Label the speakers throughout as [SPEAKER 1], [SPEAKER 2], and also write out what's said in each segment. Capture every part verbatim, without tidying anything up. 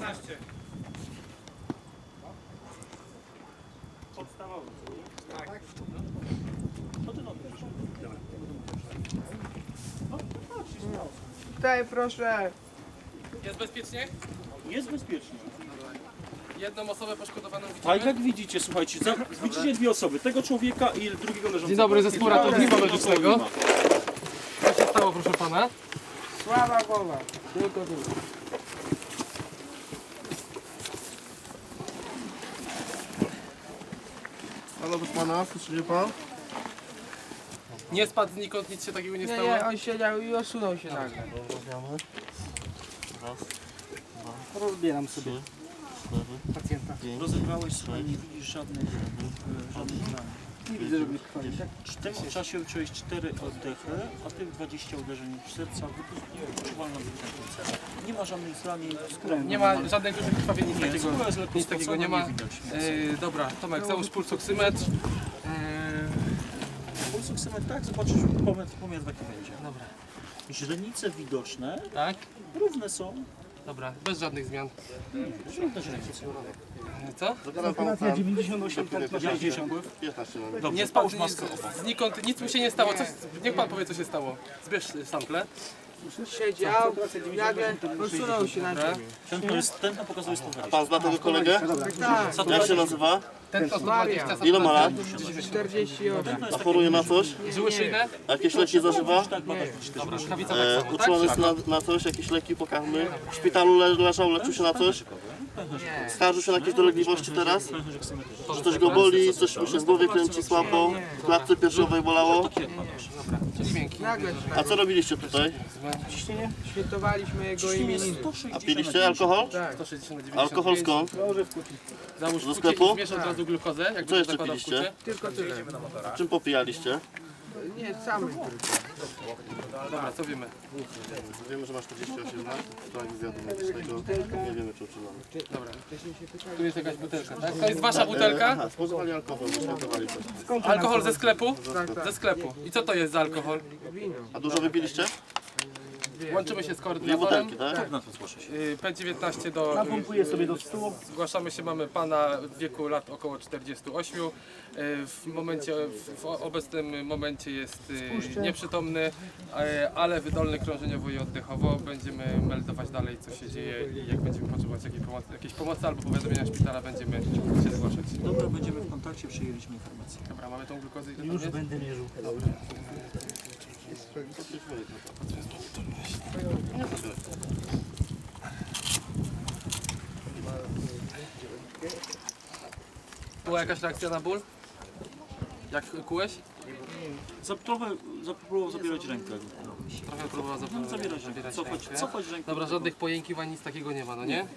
[SPEAKER 1] piętnaście.
[SPEAKER 2] Podstawowy.
[SPEAKER 1] Tak.
[SPEAKER 2] Co ty robisz?
[SPEAKER 3] Daj proszę.
[SPEAKER 1] Jest bezpiecznie?
[SPEAKER 2] Jest bezpiecznie.
[SPEAKER 1] Jedną osobę poszkodowaną
[SPEAKER 2] A
[SPEAKER 1] widzimy?
[SPEAKER 2] jak widzicie, słuchajcie, za, widzicie dwie osoby, tego człowieka i drugiego leżącego.
[SPEAKER 1] Dzień dobry, zespół ratownictwa medycznego. Co się stało, proszę pana?
[SPEAKER 3] Słaba głowa. Tylko tu.
[SPEAKER 4] Halo, proszę pana, słyszy mnie pan?
[SPEAKER 1] Nie spadł znikąd, nic się takiego nie
[SPEAKER 3] Nie,
[SPEAKER 1] stało?
[SPEAKER 3] nie, on siedział i osunął się nagle.
[SPEAKER 4] Rozmawiamy. Raz,
[SPEAKER 2] Rozbieram sobie
[SPEAKER 4] cztery,
[SPEAKER 2] pacjenta.
[SPEAKER 4] pięć,
[SPEAKER 2] Rozebrałeś, słuchaj, nie widzisz żadnych, e, żadnych zdań. Nie widzę żadnych krwi, tak? W tym czasie uczyłeś cztery oddechy, a tych dwadzieścia uderzeń w serca, wyczuwalna wykrętnica. Nie ma żadnych zranień skóry.
[SPEAKER 1] Nie ma żadnych dużych krwawień, nic
[SPEAKER 2] Nie,
[SPEAKER 1] takiego,
[SPEAKER 2] skóra jest lekko
[SPEAKER 1] nic takiego
[SPEAKER 2] spocona,
[SPEAKER 1] nie ma.
[SPEAKER 2] nie widać.
[SPEAKER 1] Yy, dobra, Tomek, załóż pulsoksymetr. Yy,
[SPEAKER 2] Pulsoksymetr, tak, zobaczysz pomiar, pomiar taki będzie.
[SPEAKER 1] dobra,
[SPEAKER 2] Źrenice widoczne,
[SPEAKER 1] tak?
[SPEAKER 2] równe są.
[SPEAKER 1] Dobra, bez żadnych zmian.
[SPEAKER 2] Żadne źrenice.
[SPEAKER 1] Yy, Co?
[SPEAKER 4] zagadam panu ten.
[SPEAKER 2] dziewięćdziesiąt osiem,
[SPEAKER 4] pięćdziesiąt, piętnaście mamy.
[SPEAKER 2] Dobrze,
[SPEAKER 1] Nie spadł
[SPEAKER 2] połóż maskę
[SPEAKER 1] nic,
[SPEAKER 2] obok.
[SPEAKER 1] znikąd, nic mu się nie stało. Coś, niech pan powie, co się stało. Zbierz sample.
[SPEAKER 3] Siedział, nagle osunął się na
[SPEAKER 1] Dobra.
[SPEAKER 3] ziemię.
[SPEAKER 2] Tętno, jest, tętno pokazuje sto dwadzieścia.
[SPEAKER 4] Pan zna tego kolegę?
[SPEAKER 3] Tak,
[SPEAKER 4] Jak się nazywa?
[SPEAKER 1] Ten to sto dwadzieścia.
[SPEAKER 4] Ile ma lat?
[SPEAKER 3] czterdzieści osiem.
[SPEAKER 2] Tętno
[SPEAKER 4] A
[SPEAKER 2] jest
[SPEAKER 4] choruje na coś?
[SPEAKER 1] Żyły szyjne?
[SPEAKER 4] A jakieś leki zażywa?
[SPEAKER 2] tak, badać też.
[SPEAKER 1] Dobra, rękawica tak
[SPEAKER 4] E,
[SPEAKER 1] samo, tak?
[SPEAKER 4] uczulony jest na, na coś? Jakieś leki pokarmy? W szpitalu le, leżał, leczył się na coś? Skarżył się na jakieś dolegliwości teraz? Że coś go boli, coś mu się z głowy kręci słabo? W klatce piersiowej bolało?
[SPEAKER 1] Czyli miękki.
[SPEAKER 3] Nagle się
[SPEAKER 4] A co robiliście tutaj?
[SPEAKER 3] świętowaliśmy jego imieniny.
[SPEAKER 4] A piliście alkohol?
[SPEAKER 3] Tak.
[SPEAKER 1] sto sześćdziesiąt na dziewięćdziesiąt
[SPEAKER 4] Alkohol
[SPEAKER 1] pięć.
[SPEAKER 4] skąd?
[SPEAKER 1] Załóż
[SPEAKER 4] Do
[SPEAKER 1] kucie
[SPEAKER 4] sklepu?
[SPEAKER 1] i zmierz od razu glukozę. Jak
[SPEAKER 4] Co jeszcze
[SPEAKER 1] zakładał
[SPEAKER 4] piliście?
[SPEAKER 1] kucie.
[SPEAKER 3] Tylko tyle.
[SPEAKER 4] Czym popijaliście?
[SPEAKER 3] Nie, samy tylko.
[SPEAKER 1] Dobra, co wiemy?
[SPEAKER 4] Wiemy, że masz czterdzieści osiem lat, w trakcie wywiadu medycznego. Nie wiemy, czy uczulony.
[SPEAKER 1] Dobra. Tu jest jakaś butelka, tak? To jest wasza butelka?
[SPEAKER 4] Aha, spożywali alkohol, wyświętowali coś.
[SPEAKER 1] Alkohol ze sklepu?
[SPEAKER 3] Tak, tak.
[SPEAKER 1] Ze sklepu. I co to jest za alkohol?
[SPEAKER 3] Wino.
[SPEAKER 4] A dużo wypiliście?
[SPEAKER 1] Łączymy się z
[SPEAKER 4] Dwie
[SPEAKER 1] koordynatorem.
[SPEAKER 4] butelki, tak?
[SPEAKER 2] Na to zgłoszę się.
[SPEAKER 1] Y, P dziewiętnaście do...
[SPEAKER 2] Napompuję sobie do stół.
[SPEAKER 1] Zgłaszamy się, mamy pana w wieku lat około czterdziestu ośmiu. Y, W momencie, w obecnym momencie jest y, nieprzytomny, y, ale wydolny krążeniowo i oddechowo. Będziemy meldować dalej, co się dzieje i jak będziemy potrzebować jakiejś pomocy, jakiejś pomocy albo powiadomienia szpitala, będziemy się zgłaszać.
[SPEAKER 2] Dobra, będziemy w kontakcie, przyjęliśmy informację.
[SPEAKER 1] Dobra, mamy tą glukozę. Ile
[SPEAKER 2] Już
[SPEAKER 1] tam jest?
[SPEAKER 2] będę mierzył.
[SPEAKER 1] Była jakaś reakcja na ból? Jak kułeś?
[SPEAKER 2] Za, trochę zapróbował zabierać rękę.
[SPEAKER 1] Trochę próbował
[SPEAKER 2] No,
[SPEAKER 1] zapomnieć.
[SPEAKER 2] zabierać rękę. Cofać, cofać rękę.
[SPEAKER 1] Dobra, żadnych pojękiwań, nic takiego nie ma, no nie?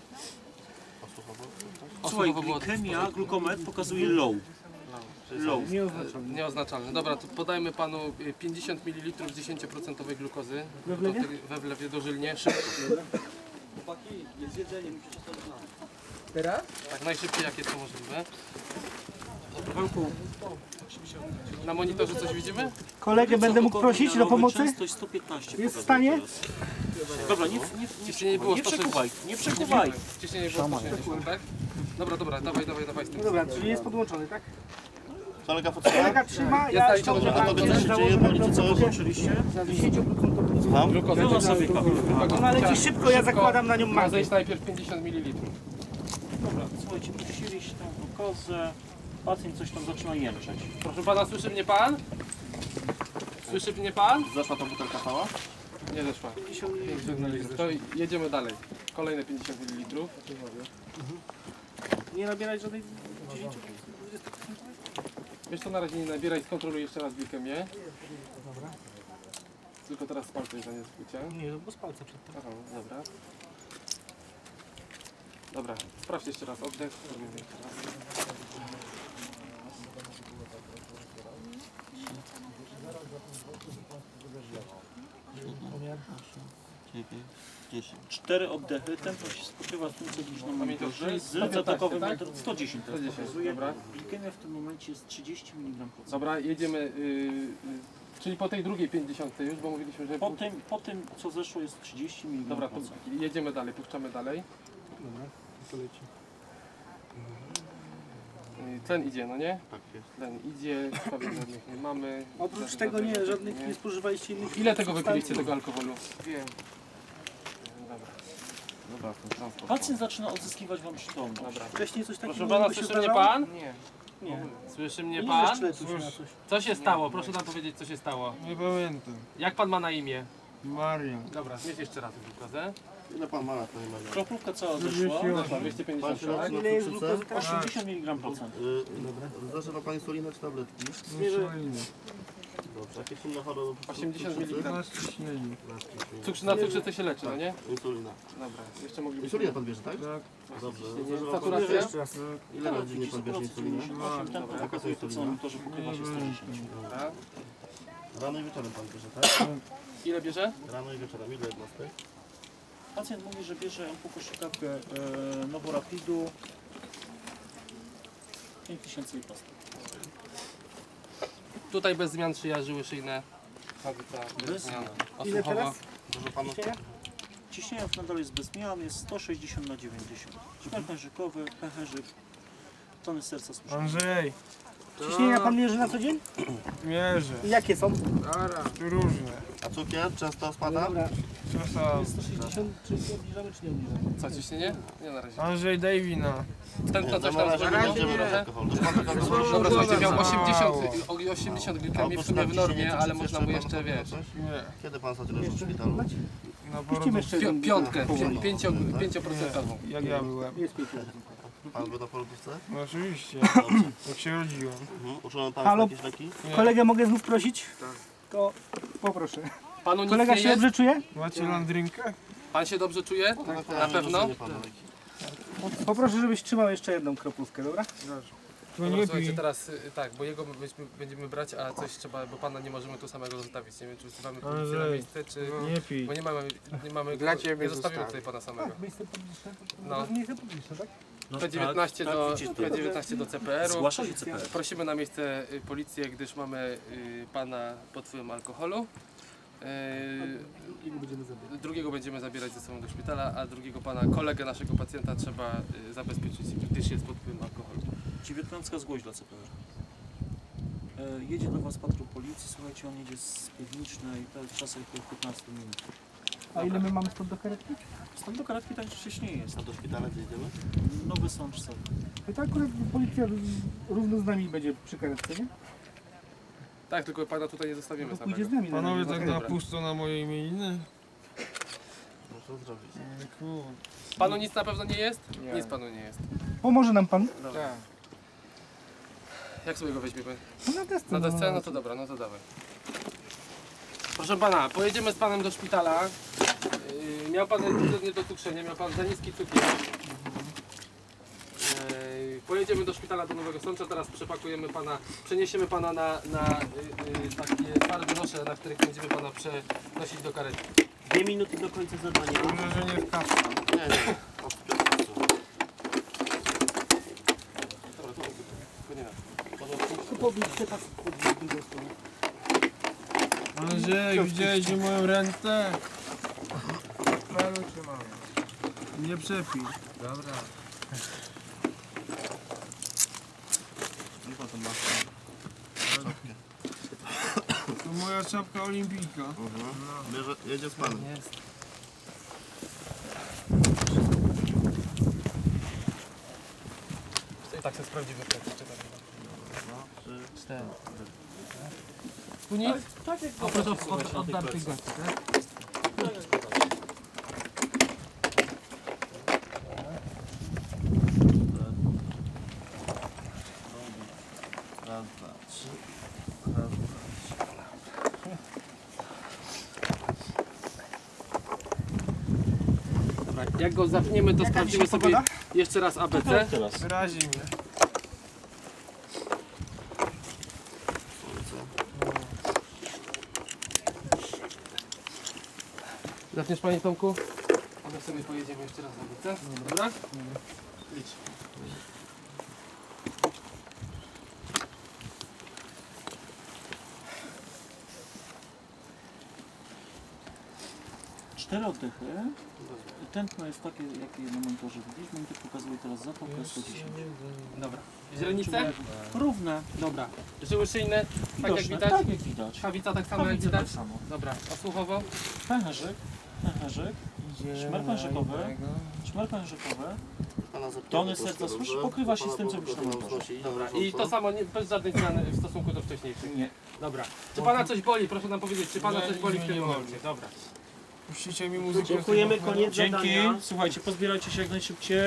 [SPEAKER 2] Słuchaj,
[SPEAKER 1] Osłowowo było
[SPEAKER 2] glikemia, glukometr pokazuje low. Low.
[SPEAKER 1] nieoznaczalne. Dobra, to podajmy panu y, pięćdziesiąt mililitrów dziesięć procent glukozy. We wlewie? We wlewie dożylnie, szybko.
[SPEAKER 3] Teraz?
[SPEAKER 1] Tak najszybciej jak jest to możliwe.
[SPEAKER 2] Walku,
[SPEAKER 1] Na monitorze coś widzimy?
[SPEAKER 5] Kolegę będę mógł prosić do pomocy?
[SPEAKER 2] Częstość sto piętnaście.
[SPEAKER 5] Jest w
[SPEAKER 2] pokazuje
[SPEAKER 5] stanie?
[SPEAKER 2] teraz. Dobra, nie, nie, nie,
[SPEAKER 1] Ciśnienie było
[SPEAKER 2] nie
[SPEAKER 1] sto sześćdziesiąt.
[SPEAKER 2] przekuwaj, nie przekuwaj.
[SPEAKER 1] Ciśnienie było sto sześćdziesiąt, tak? Dobra, dobra, dawaj, dawaj, dawaj z tym.
[SPEAKER 5] Dobra, czyli jest podłączony, tak?
[SPEAKER 4] Kolega potrzeba?
[SPEAKER 5] Kolega trzyma,
[SPEAKER 1] Jest
[SPEAKER 5] ja
[SPEAKER 1] zaliczone do
[SPEAKER 5] ściągnę
[SPEAKER 4] A tobie coś się dzieje, boli ci coś?
[SPEAKER 2] Oczywiście.
[SPEAKER 4] Mam?
[SPEAKER 1] Glukozę.
[SPEAKER 2] Wyłącz sobie kabel.
[SPEAKER 5] Ona leci szybko, ja zakładam na nią
[SPEAKER 1] Ma
[SPEAKER 5] magnes.
[SPEAKER 1] zejść najpierw pięćdziesiąt mililitrów.
[SPEAKER 2] Dobra, słuchajcie, puściliście tam glukozę. Pacjent coś tam zaczyna jęczeć.
[SPEAKER 1] Proszę pana, słyszy mnie pan? Słyszy mnie pan?
[SPEAKER 4] Zeszła ta butelka cała?
[SPEAKER 1] Nie zeszła. To jedziemy dalej. Kolejne pięćdziesiąt mililitrów.
[SPEAKER 5] Nie nabierać żadnej...
[SPEAKER 1] Wiesz co, na razie nie nabieraj, skontroluj jeszcze raz glikemię. Tylko teraz z palcem za nie skrócie.
[SPEAKER 5] Nie, bo z palca przed tym.
[SPEAKER 1] Aha, dobra. Dobra, sprawdź jeszcze raz oddech. Robimy jeszcze raz.
[SPEAKER 2] Cztery oddechy, tempo się spoczywa z tym, co widzisz na monitorze.
[SPEAKER 1] czyli
[SPEAKER 2] Z
[SPEAKER 1] sto piętnaście,
[SPEAKER 2] zatakowym
[SPEAKER 1] tak?
[SPEAKER 2] sto dziesięć teraz
[SPEAKER 1] sto dziesięć,
[SPEAKER 2] pokazuje.
[SPEAKER 1] dobra.
[SPEAKER 2] Glikemia w tym momencie jest trzydzieści miligramów.
[SPEAKER 1] Dobra, jedziemy. Yy, yy, czyli po tej drugiej pięćdziesiątej już, bo mówiliśmy, że...
[SPEAKER 2] Po tym, po tym, co zeszło, jest trzydzieści
[SPEAKER 1] Dobra,
[SPEAKER 2] miligramów.
[SPEAKER 1] to jedziemy dalej, puszczamy dalej. Y, Tlen idzie, no nie?
[SPEAKER 4] Tak jest.
[SPEAKER 1] Tlen idzie, krwawień żadnych nie mamy.
[SPEAKER 5] Oprócz
[SPEAKER 1] Żadnych-
[SPEAKER 5] tego nie,
[SPEAKER 1] żadnych-
[SPEAKER 5] żadnych nie spożywaliście innych.
[SPEAKER 1] Ile tego wypiliście, tego alkoholu?
[SPEAKER 3] Wiem.
[SPEAKER 1] Dobra. Dobra, ten transport.
[SPEAKER 2] Pacjent zaczyna odzyskiwać wam przytomność.
[SPEAKER 1] Dobra.
[SPEAKER 5] Wcześniej coś takiego
[SPEAKER 1] Proszę pana,
[SPEAKER 5] się
[SPEAKER 1] słyszy mnie
[SPEAKER 5] zdarzało?
[SPEAKER 1] pan?
[SPEAKER 3] Nie.
[SPEAKER 5] Nie.
[SPEAKER 1] Słyszy mnie
[SPEAKER 5] Nie
[SPEAKER 1] pan?
[SPEAKER 5] jeszcze leczył się na coś.
[SPEAKER 1] Co się stało? Proszę nam powiedzieć, co się stało.
[SPEAKER 6] Nie pamiętam.
[SPEAKER 1] Jak pan ma na imię?
[SPEAKER 6] Maria.
[SPEAKER 1] Dobra, zmieść jeszcze raz glukozę.
[SPEAKER 4] Ile pan ma lat, panie Maria?
[SPEAKER 2] Kroplówka cała zeszła.
[SPEAKER 1] Dobra,
[SPEAKER 4] Pan
[SPEAKER 1] dwieście pięćdziesiąt,
[SPEAKER 4] się
[SPEAKER 1] tak?
[SPEAKER 4] leczy na
[SPEAKER 5] Ile jest
[SPEAKER 4] cukrzycę?
[SPEAKER 5] glukozy teraz?
[SPEAKER 2] osiemdziesiąt miligram procent.
[SPEAKER 4] Y, Zażywa pani insulinę czy tabletki?
[SPEAKER 6] Insuliny.
[SPEAKER 4] Dobrze. Jakieś inne choroby?
[SPEAKER 1] osiemdziesiąt
[SPEAKER 4] Cukrzycy?
[SPEAKER 1] miligram.
[SPEAKER 6] Na ciśnieniu.
[SPEAKER 1] Cukrzyca, na cukrzycę się leczy, no nie?
[SPEAKER 4] Insulina.
[SPEAKER 1] Dobra, jeszcze moglibyśmy...
[SPEAKER 4] Insulinę pan bierze, tak?
[SPEAKER 6] Tak.
[SPEAKER 4] Dobrze.
[SPEAKER 1] Nie,
[SPEAKER 4] Zażywa pan...
[SPEAKER 1] saturacja?
[SPEAKER 6] Tak.
[SPEAKER 4] Ile razy dziennie pan bierze insulinę?
[SPEAKER 2] osiem, ten pokazuje to co to, że pokrywa się sto dziesięć.
[SPEAKER 1] Dobra.
[SPEAKER 4] Rano i wieczorem pan bierze, tak?
[SPEAKER 1] Ile bierze?
[SPEAKER 4] Rano i wieczorem. Ile jednostek?
[SPEAKER 2] Pacjent mówi, że bierze półkoszykawkę e, Noworapidu pięć tysięcy jednostek.
[SPEAKER 1] Tutaj bez zmian szyja, żyły szyjne. Kawica, bez
[SPEAKER 2] Bez
[SPEAKER 1] zmian.
[SPEAKER 5] Ile
[SPEAKER 1] Osłuchowa.
[SPEAKER 5] teraz?
[SPEAKER 4] Dużo panu...
[SPEAKER 2] Ciśnienie nadal jest bez zmian, jest sto sześćdziesiąt na dziewięćdziesiąt. Szmer pęcherzykowy, pęcherzyk, tony serca słyszane.
[SPEAKER 6] Andrzej,
[SPEAKER 5] Ciśnienia pan mierzy na co dzień?
[SPEAKER 6] mierzę.
[SPEAKER 5] I jakie są?
[SPEAKER 3] Dobra.
[SPEAKER 6] Różne.
[SPEAKER 4] A cukier często spada?
[SPEAKER 5] Dobra.
[SPEAKER 6] Czasami.
[SPEAKER 5] sto sześćdziesiąt, czy obniżamy, czy nie obniżamy?
[SPEAKER 1] Co, ciśnienie? Nie na razie.
[SPEAKER 6] Andrzej, daj wina.
[SPEAKER 1] Tętno coś
[SPEAKER 4] Na
[SPEAKER 1] tam
[SPEAKER 4] razie
[SPEAKER 1] zrobiło?
[SPEAKER 4] nie idziemy
[SPEAKER 1] Może?
[SPEAKER 4] na alkohol. To pan tak alkohol-
[SPEAKER 1] Dobra, słuchajcie, miał
[SPEAKER 6] Mało.
[SPEAKER 1] osiemdziesiąt, o- osiemdziesiąt glikemii w sumie w normie, ale można mu jeszcze, wiesz,
[SPEAKER 6] Nie.
[SPEAKER 4] Kiedy pan ostatnio leżał w szpitalu?
[SPEAKER 6] Na
[SPEAKER 5] Puścimy
[SPEAKER 6] porodu.
[SPEAKER 5] jeszcze
[SPEAKER 1] pi-
[SPEAKER 5] jeden.
[SPEAKER 1] piątkę, pię- pięcio, pięcioprocentową.
[SPEAKER 6] Jak ja byłem.
[SPEAKER 5] Jest pięć.
[SPEAKER 4] Pan był na porodówce?
[SPEAKER 6] No oczywiście. Jak się rodziłem.
[SPEAKER 4] Mhm. Uczułem pan
[SPEAKER 5] Halo?
[SPEAKER 4] jakieś leki?
[SPEAKER 5] Kolegę mogę znów prosić? To poproszę.
[SPEAKER 1] Panu nic
[SPEAKER 5] Kolega
[SPEAKER 1] nie
[SPEAKER 5] się
[SPEAKER 1] jest?
[SPEAKER 5] dobrze czuje?
[SPEAKER 6] Macie landrynkę?
[SPEAKER 1] Pan się dobrze czuje?
[SPEAKER 4] Tak,
[SPEAKER 1] Na pewno?
[SPEAKER 5] Poproszę, żebyś trzymał jeszcze jedną kroplówkę, dobra?
[SPEAKER 6] To
[SPEAKER 1] Dobra,
[SPEAKER 6] nie
[SPEAKER 1] słuchajcie,
[SPEAKER 6] pij.
[SPEAKER 1] teraz y, tak, bo jego będziemy, będziemy brać, a coś trzeba, bo pana nie możemy tu samego zostawić. Nie wiem, czy wzywamy policję na
[SPEAKER 6] Andrzej.
[SPEAKER 1] miejsce, czy...
[SPEAKER 6] Nie pij.
[SPEAKER 1] Bo nie mamy, nie mamy,
[SPEAKER 3] Dla ciebie
[SPEAKER 1] nie zostawimy
[SPEAKER 3] zostawię.
[SPEAKER 1] tutaj pana samego.
[SPEAKER 5] miejsce publiczne.
[SPEAKER 1] No.
[SPEAKER 5] Miejsce publiczne, tak?
[SPEAKER 1] P dziewiętnaście do,
[SPEAKER 2] tak,
[SPEAKER 1] P dziewiętnaście do C P R-u.
[SPEAKER 2] Zgłasza się C P R.
[SPEAKER 1] Prosimy na miejsce y, policję, gdyż mamy y, pana pod wpływem alkoholu. Y, drugiego będziemy zabierać ze sobą do szpitala, a drugiego pana, kolegę naszego pacjenta trzeba y, zabezpieczyć, gdyż jest pod wpływem alkoholu.
[SPEAKER 2] dziewiętnastka zgłoś dla C P R. E, jedzie do was patrol policji, słuchajcie, on jedzie z Piwnicznej, to jest czasem około piętnaście minut.
[SPEAKER 5] A ile my mamy stąd do karetki?
[SPEAKER 2] Stąd do karetki tak wcześniej jest.
[SPEAKER 4] A do szpitala gdzie idziemy?
[SPEAKER 2] Nowy sącz sobie.
[SPEAKER 5] I tak akurat policja równo z nami będzie przy karetce, nie?
[SPEAKER 1] Tak, tylko pana tutaj nie zostawimy
[SPEAKER 5] To pójdzie z
[SPEAKER 1] samego.
[SPEAKER 5] nami. na
[SPEAKER 6] Panowie
[SPEAKER 5] razie.
[SPEAKER 6] tak
[SPEAKER 1] Okej,
[SPEAKER 6] na
[SPEAKER 1] dobra.
[SPEAKER 6] pusto na moje imieniny?
[SPEAKER 4] Muszę zrobić.
[SPEAKER 6] Kurde.
[SPEAKER 1] Panu nic na pewno nie jest?
[SPEAKER 3] Nie.
[SPEAKER 1] Nic panu nie jest.
[SPEAKER 5] Pomoże nam pan?
[SPEAKER 3] Tak.
[SPEAKER 1] Jak sobie go weźmiemy?
[SPEAKER 5] No na desce.
[SPEAKER 1] Na desce? No to dobra, no to dawaj. Proszę pana, pojedziemy z panem do szpitala. Yy, miał pan niedotukszenie, miał pan za niski cukier. Yy, pojedziemy do szpitala do Nowego Sącza, teraz przepakujemy pana, przeniesiemy pana na, na yy, yy, takie twarde nosze, na których będziemy pana przenosić do karetki.
[SPEAKER 2] Dwie minuty do końca zadania.
[SPEAKER 6] Dobrze, że nie w kasę.
[SPEAKER 4] Nie, nie.
[SPEAKER 1] Dobra, to tylko nie na.
[SPEAKER 5] To powiedzcie tak pod drugą stronę.
[SPEAKER 6] Andrzej, widziałeś moją rentę?
[SPEAKER 3] Prawo trzymamy.
[SPEAKER 6] Nie przepij.
[SPEAKER 3] Dobra.
[SPEAKER 4] I potem masz czapkę.
[SPEAKER 6] To moja czapka olimpijka.
[SPEAKER 4] Mhm. Bierze, jedzie z panem.
[SPEAKER 1] Jest. I tak się sprawdzimy.
[SPEAKER 4] No, trzy.
[SPEAKER 1] Cztery. Tu nic?
[SPEAKER 2] Tak jak
[SPEAKER 1] Oprócz od, od, oddartych gości, tak?
[SPEAKER 4] Raz, dwa, trzy. Raz, dwa, trzy.
[SPEAKER 1] Dobra, jak go zapniemy, to sprawdzimy sobie
[SPEAKER 5] pogoda?
[SPEAKER 1] jeszcze raz A B C.
[SPEAKER 2] teraz.
[SPEAKER 6] Wyrazi mnie.
[SPEAKER 1] Zapniesz panie Tomku? A my sobie pojedziemy jeszcze raz na A B C. Dobra? Idź.
[SPEAKER 2] cztery oddechy. Tętno jest takie, jakie na monitorze widzisz. Monitor pokazuje teraz zapałkę sto dziesięć.
[SPEAKER 1] Dobra. Źrenice?
[SPEAKER 2] Równe.
[SPEAKER 1] Dobra. Żyły szyjne? Tak jak
[SPEAKER 2] Widoczne.
[SPEAKER 1] widać?
[SPEAKER 2] Tak jak widać.
[SPEAKER 1] Kawica tak samo jak
[SPEAKER 2] Kawice
[SPEAKER 1] widać?
[SPEAKER 2] tak samo.
[SPEAKER 1] Dobra. A słuchowo?
[SPEAKER 2] Pęcherzyk. Pęcherzyk. Szmer pęcherzykowy. Szmer pęcherzykowy.
[SPEAKER 4] Pana zapytamy
[SPEAKER 2] Tony
[SPEAKER 4] troszkę,
[SPEAKER 2] serca słyszy,
[SPEAKER 4] dobrze?
[SPEAKER 2] pokrywa się
[SPEAKER 4] Pana
[SPEAKER 2] z tym, co
[SPEAKER 4] poproszę
[SPEAKER 2] wyszło na
[SPEAKER 4] nam
[SPEAKER 2] monitorze.
[SPEAKER 4] znosi
[SPEAKER 1] Dobra.
[SPEAKER 4] na
[SPEAKER 1] I to
[SPEAKER 4] bieżąco.
[SPEAKER 1] samo nie, bez żadnych zmian w stosunku do wcześniejszych?
[SPEAKER 2] Nie.
[SPEAKER 1] Dobra. Czy pana coś boli? Proszę nam powiedzieć, czy pana
[SPEAKER 6] Nie,
[SPEAKER 1] coś boli w
[SPEAKER 6] nie,
[SPEAKER 1] tym
[SPEAKER 6] nie
[SPEAKER 1] momencie?
[SPEAKER 6] boli.
[SPEAKER 1] Dobra.
[SPEAKER 6] Puścicie mi muzykę.
[SPEAKER 2] Dziękujemy,
[SPEAKER 6] chyba.
[SPEAKER 2] koniec
[SPEAKER 6] Dzięki.
[SPEAKER 2] zadania. Słuchajcie, pozbierajcie się jak najszybciej.